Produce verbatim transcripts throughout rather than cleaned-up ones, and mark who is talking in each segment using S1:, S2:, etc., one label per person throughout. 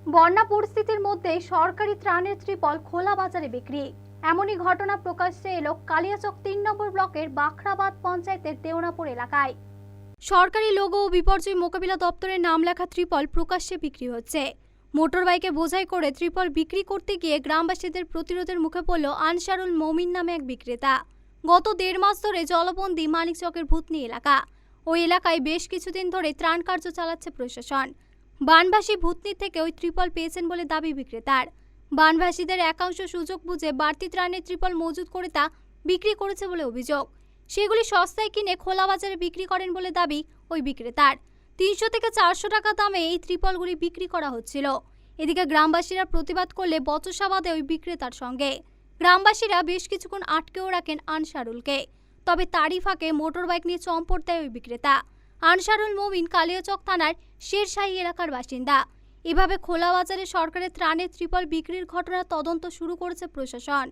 S1: বন্যা পরিস্থিতির মধ্যে সরকারি ত্রাণের ত্রিপল খোলা বাজারে বিক্রি। এমনই ঘটনা প্রকাশ্যে এলো কালিয়াচক তিন নম্বর ব্লকের বাখরাবাদ পঞ্চায়েতের দেওনাপুর এলাকায়। সরকারি লোগো ও বিপর্যয় মোকাবিলা দপ্তরের নাম লেখা ত্রিপল প্রকাশ্যে বিক্রি হচ্ছে। মোটরবাইকে বোঝাই করে ত্রিপল বিক্রি করতে গিয়ে গ্রামবাসীদের প্রতিরোধের মুখে পড়ল আনসারুল মমিন নামে এক বিক্রেতা। গত দেড় মাস ধরে জলবন্দী মানিকচকের ভূতনি এলাকা। ওই এলাকায় বেশ কিছুদিন ধরে ত্রাণ কার্য চালাচ্ছে প্রশাসন। বানভাসী ভূতনি থেকে ওই ত্রিপল পেয়েছেন বলে দাবি বিক্রেতার। বানভাসীদের একাংশ সুযোগ বুঝে বাড়তি ত্রাণের ত্রিপল মজুত করে তা বিক্রি করেছে বলে অভিযোগ। সেগুলি সস্তায় কিনে খোলা বাজারে বিক্রি করেন বলে দাবি ওই বিক্রেতার। তিনশো থেকে চারশো টাকা দামে এই ত্রিপলগুলি বিক্রি করা হচ্ছিল। এদিকে গ্রামবাসীরা প্রতিবাদ করলে বচসা বাঁধে ওই বিক্রেতার সঙ্গে। গ্রামবাসীরা বেশ কিছুক্ষণ আটকেও রাখেন আনসারুলকে। তবে তারই ফাঁকে মোটর বাইক নিয়ে চম্পট দেয় ওই বিক্রেতা। আনসারুল মমিন কালিয়াচক থানার শেরশাহী এলাকার বাসিন্দা। এভাবে খোলা বাজারে সরকারের ত্রাণের ত্রিপল বিক্রির ঘটনা তদন্ত শুরু করেছে প্রশাসন।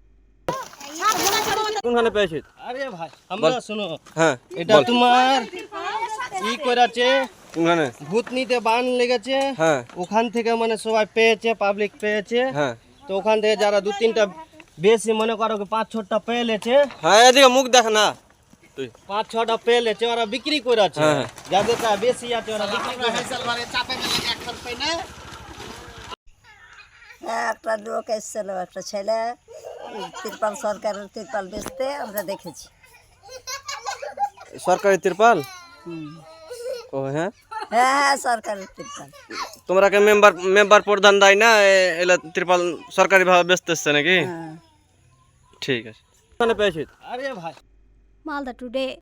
S2: কোনখানে পেয়েছিস?
S3: আরে ভাই আমরা শুনো,
S2: হ্যাঁ
S3: এটা তোমার ই করেছে,
S2: কোনখানে?
S3: ভূতনিতে বান লেগেছে,
S2: হ্যাঁ
S3: ওখান থেকে মানে সবাই পেয়েছে, পাবলিক পেয়েছে।
S2: হ্যাঁ
S3: তো ওখান থেকে যারা দু তিনটা বেশি মনে করো কি পাঁচ ছটা পেয়ে লেছে,
S2: হ্যাঁ এদিকে মুখ দেখ না তুই।
S3: পাঁচ ছটা পেয়ে লেছে, ওরা বিক্রি করেছে।
S2: হ্যাঁ।
S3: যাদেরটা বেশি আছে ওরা বিক্রি করেছে।
S4: হ্যাঁ, একটা লোক এসেছিল, একটা ছেলে তিরপাল, সরকারের তিরপাল বেচতে আমরা দেখেছি।
S2: সরকারি তিরপাল?
S4: হুম।
S2: ও হ্যাঁ,
S4: হ্যাঁ হ্যাঁ সরকারের তিরপাল।
S2: তোমরাকে মেম্বার মেম্বার প্রধান দেয় না এ- এলা তিরপাল সরকারি ভাবে বেচতেছে নাকি?
S4: হ্যাঁ।
S2: ঠিক আছে। কোনখানে পেয়েছিস?
S3: আরে ভাই
S1: মালদা টুডে।